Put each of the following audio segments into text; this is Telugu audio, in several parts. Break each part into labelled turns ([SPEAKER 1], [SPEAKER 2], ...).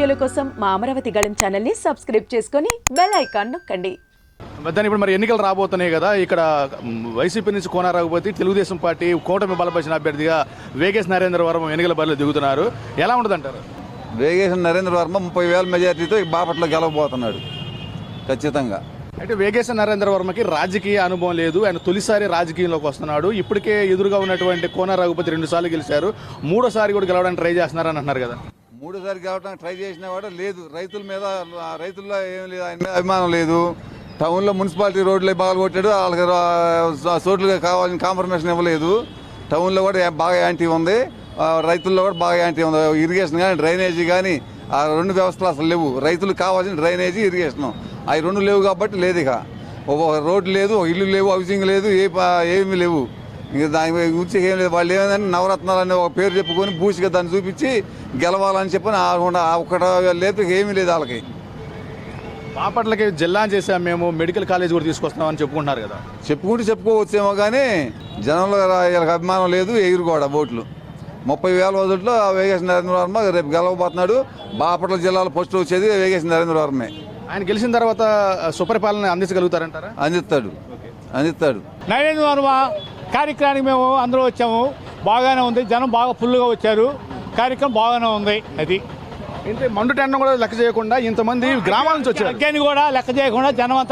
[SPEAKER 1] వీడియోల కోసం మా అమరావతి గళం ఛానల్ని సబ్స్క్రైబ్ చేసుకొని బెల్ ఐకాన్ నొక్కండి.
[SPEAKER 2] దాని ఇప్పుడు మరి ఎన్నికలు రాబోతున్నాయి కదా, ఇక్కడ వైసీపీ నుంచి కోన రఘుపతి తెలుగుదేశం పార్టీ కూటమి బలపరిచిన అభ్యర్థిగా వేగేశ్ నరేంద్ర వర్మ ఎన్నికల బరిలో దిగుతున్నారు. ఎలా ఉంటుందంటారు?
[SPEAKER 3] వేగేశ్ నరేంద్ర వర్మ 30,000 మెజార్టీతో బాపట్ల గెలవబోతున్నాడు ఖచ్చితంగా.
[SPEAKER 2] అయితే వేగేశ నరేంద్ర వర్మకి రాజకీయ అనుభవం లేదు, ఆయన తొలిసారి రాజకీయంలోకి వస్తున్నాడు. ఇప్పటికే ఎదురుగా ఉన్నటువంటి కోన రఘుపతి 2 సార్లు గెలిచారు, 3ోసారి కూడా గెలవడానికి ట్రై చేస్తున్నారని అంటున్నారు కదా.
[SPEAKER 3] 3సారి గెలవడానికి ట్రై చేసిన వాడు లేదు, రైతుల్లో ఏం లేదు, ఆయన మీద అభిమానం లేదు. టౌన్లో మున్సిపాలిటీ రోడ్లు బాగా కొట్టాడు, వాళ్ళకి చోట్లుగా కావాలని కాంప్రమైజేషన్ ఇవ్వలేదు. టౌన్లో కూడా బాగా యాంటీ ఉంది, రైతుల్లో కూడా బాగా యాంటీ ఉంది. ఇరిగేషన్ కానీ డ్రైనేజీ కానీ ఆ 2 వ్యవస్థలు అసలు లేవు. రైతులకు కావాల్సిన డ్రైనేజీ ఇరిగేషన్ అవి 2 లేవు కాబట్టి లేదు. ఇక ఒక రోడ్డు లేదు, ఒక ఇల్లు లేవు, హౌసింగ్ లేదు, ఏమీ లేవు. ఇంకా దాని గురించి ఏం లేదు. వాళ్ళు ఏమైందని నవరత్నాలు అనే ఒక పేరు చెప్పుకొని బూసిగా దాన్ని చూపించి గెలవాలని చెప్పని ఒకట లేదు, ఏమీ లేదు వాళ్ళకి.
[SPEAKER 2] బాపట్లకి జిల్లా చేసాం మేము, మెడికల్ కాలేజ్ కూడా తీసుకొస్తున్నామని చెప్పుకుంటున్నారు కదా.
[SPEAKER 3] చెప్పుకోవచ్చేమో కానీ జనంలో వీళ్ళకి అభిమానం లేదు, ఎగురు కూడా ఓట్లు. 30,000 ఓట్లలో వేగేశ్ నరేంద్ర వర్మ రేపు గెలవబోతున్నాడు. బాపట్ల జిల్లాలో ఫస్ట్ వచ్చేది వేగేశ్ నరేంద్ర వర్మే.
[SPEAKER 2] ఆయన గెలిచిన తర్వాత సుపరిపాలన అందించగలుగుతారంటారా?
[SPEAKER 3] అందిస్తాడు.
[SPEAKER 4] నరేంద్ర వర్మ కార్యక్రమానికి మేము అందరూ వచ్చాము, బాగానే ఉంది. జనం బాగా ఫుల్గా వచ్చారు, కార్యక్రమం బాగానే ఉంది. అది
[SPEAKER 2] అంటే మండు టెండం కూడా లెక్క చేయకుండా ఇంతమంది గ్రామాల నుంచి వచ్చారు.
[SPEAKER 4] అగ్గాని కూడా లెక్క చేయకుండా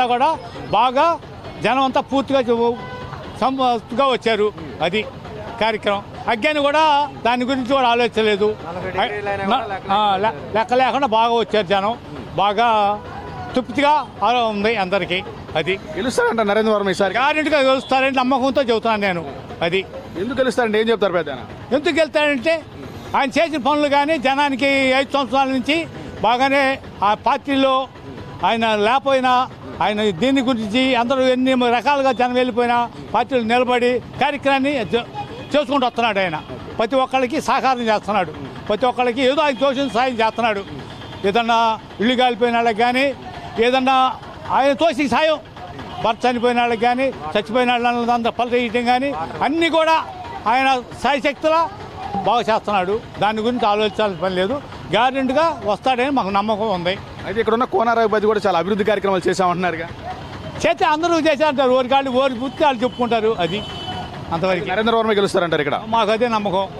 [SPEAKER 4] జనం అంతా పూర్తిగా సంతృప్తిగా వచ్చారు. అది కార్యక్రమం. అగ్గాని కూడా దాని గురించి కూడా ఆలోచించలేదు, లెక్క లేకుండా బాగా వచ్చారు. జనం బాగా తృప్తిగా ఉంది అందరికీ. అది
[SPEAKER 2] గెలుస్తారంట నరేంద్ర వర్మ ఈసారి
[SPEAKER 4] గ్యారెంటీగా గెలుస్తారని నమ్మకంతో చెబుతున్నాను నేను. అది
[SPEAKER 2] ఎందుకు గెలుస్తారంటే ఏం చెప్తారు పెద్ద?
[SPEAKER 4] ఎందుకు గెలుస్తాడంటే ఆయన చేసిన పనులు కానీ జనానికి 5 సంవత్సరాల నుంచి బాగానే ఆ పార్టీలో ఆయన లేకపోయినా ఆయన దీని గురించి అందరూ ఎన్ని రకాలుగా జనం వెళ్ళిపోయినా పార్టీలు నిలబడి కార్యక్రమాన్ని చేసుకుంటూ వస్తున్నాడు. ఆయన ప్రతి ఒక్కరికి సహకారం చేస్తున్నాడు, ప్రతి ఒక్కరికి ఏదో ఆయన తోచిన సాయం చేస్తున్నాడు. ఏదన్నా ఇల్లు కాలిపోయిన వాళ్ళకి కానీ, ఏదన్నా ఆయన తోసిన సాయం, భర్త చనిపోయిన వాళ్ళకి కానీ, చచ్చిపోయిన వాళ్ళంతా పలకీయటం కానీ అన్నీ కూడా ఆయన సాయశక్తులా బాగా చేస్తున్నాడు. దాని గురించి ఆలోచించాల్సిన పని లేదు, గ్యారెంటీగా వస్తాడని మాకు నమ్మకం ఉంది.
[SPEAKER 2] అయితే ఇక్కడ ఉన్న కోన రఘుపతి కూడా చాలా అభివృద్ధి కార్యక్రమాలు చేశామంటున్నారుగా.
[SPEAKER 4] చేస్తే అందరూ చేశారంటారు, ఓరి పూర్తి వాళ్ళు చెప్పుకుంటారు. అది అంతవరకు
[SPEAKER 2] నరేంద్ర వర్మ గెలుస్తారంటారు ఇక్కడ.
[SPEAKER 4] మాకు అదే నమ్మకం.